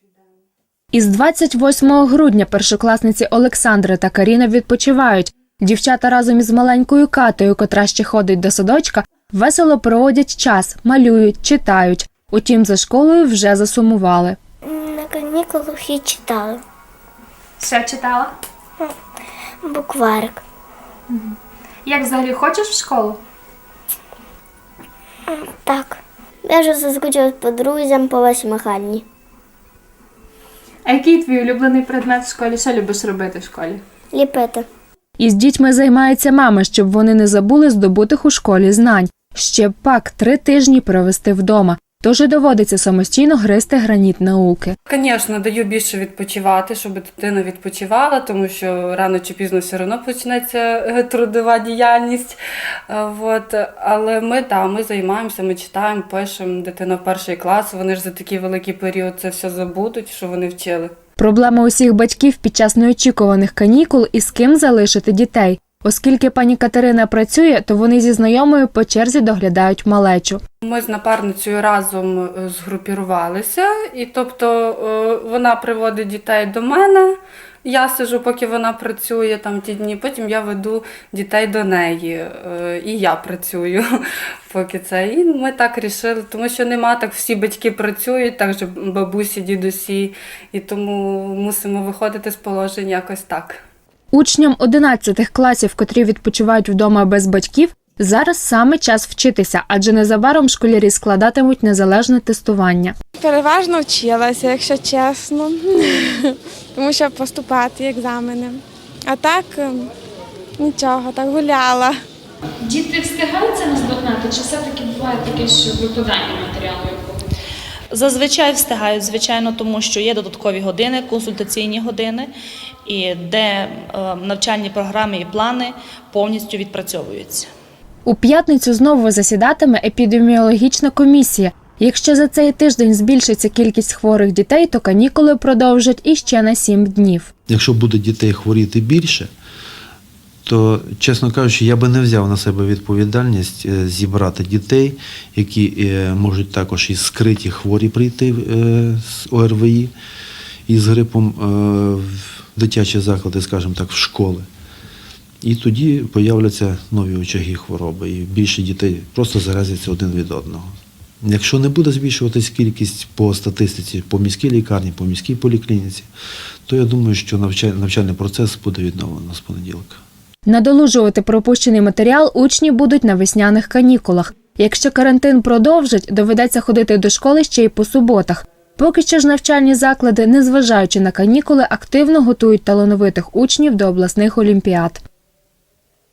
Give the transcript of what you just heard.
Із 28 грудня першокласниці Олександра та Каріна відпочивають. Дівчата разом із маленькою Катею, котра ще ходить до садочка, весело проводять час, малюють, читають. Утім, за школою вже засумували. На канікулах і читала. Що читала? Букварик. Як взагалі хочеш в школу? Так. Я вже заскучила по друзям, по Васі Михайлівні. А який твій улюблений предмет в школі? Що любиш робити в школі? Ліпити. Із дітьми займається мама, щоб вони не забули здобутих у школі знань. Ще пак 3 тижні провести вдома. Тож і доводиться самостійно гризти граніт науки. Звісно, даю більше відпочивати, щоб дитина відпочивала, тому що рано чи пізно все одно почнеться трудова діяльність. Але ми займаємося, ми читаємо, пишемо. Дитина в 1 клас, вони ж за такий великий період це все забудуть, що вони вчили. Проблема усіх батьків під час неочікуваних канікул і з ким залишити дітей. Оскільки пані Катерина працює, то вони зі знайомою по черзі доглядають малечу. Ми з напарницею разом згрупірувалися, і тобто вона приводить дітей до мене, я сиджу, поки вона працює там ті дні, потім я веду дітей до неї, і я працюю, поки це. І ми так рішили, тому що нема так, всі батьки працюють, так же бабусі, дідусі, і тому мусимо виходити з положення якось так. Учням 11 класів, котрі відпочивають вдома без батьків, зараз саме час вчитися, адже незабаром школярі складатимуть незалежне тестування. Переважно вчилася, якщо чесно, тому що поступати екзамени. А так нічого, так гуляла. Діти встигаються наздогнати, чи все-таки буває таке, що випадання матеріалу? Зазвичай встигають, звичайно, тому що є додаткові години, консультаційні години, і де навчальні програми і плани повністю відпрацьовуються. У п'ятницю знову засідатиме епідеміологічна комісія. Якщо за цей тиждень збільшиться кількість хворих дітей, то канікули продовжать іще на 7 днів. Якщо буде дітей хворіти більше, то, чесно кажучи, я би не взяв на себе відповідальність зібрати дітей, які можуть також і скриті хворі прийти з ОРВІ і з грипом в дитячі заклади, скажімо так, в школи. І тоді появляться нові очаги хвороби, і більше дітей просто заразяться один від одного. Якщо не буде збільшуватись кількість по статистиці, по міській лікарні, по міській поліклініці, то я думаю, що навчальний процес буде відновлено з понеділка. Надолужувати пропущений матеріал учні будуть на весняних канікулах. Якщо карантин продовжать, доведеться ходити до школи ще й по суботах. Поки що ж навчальні заклади, незважаючи на канікули, активно готують талановитих учнів до обласних олімпіад.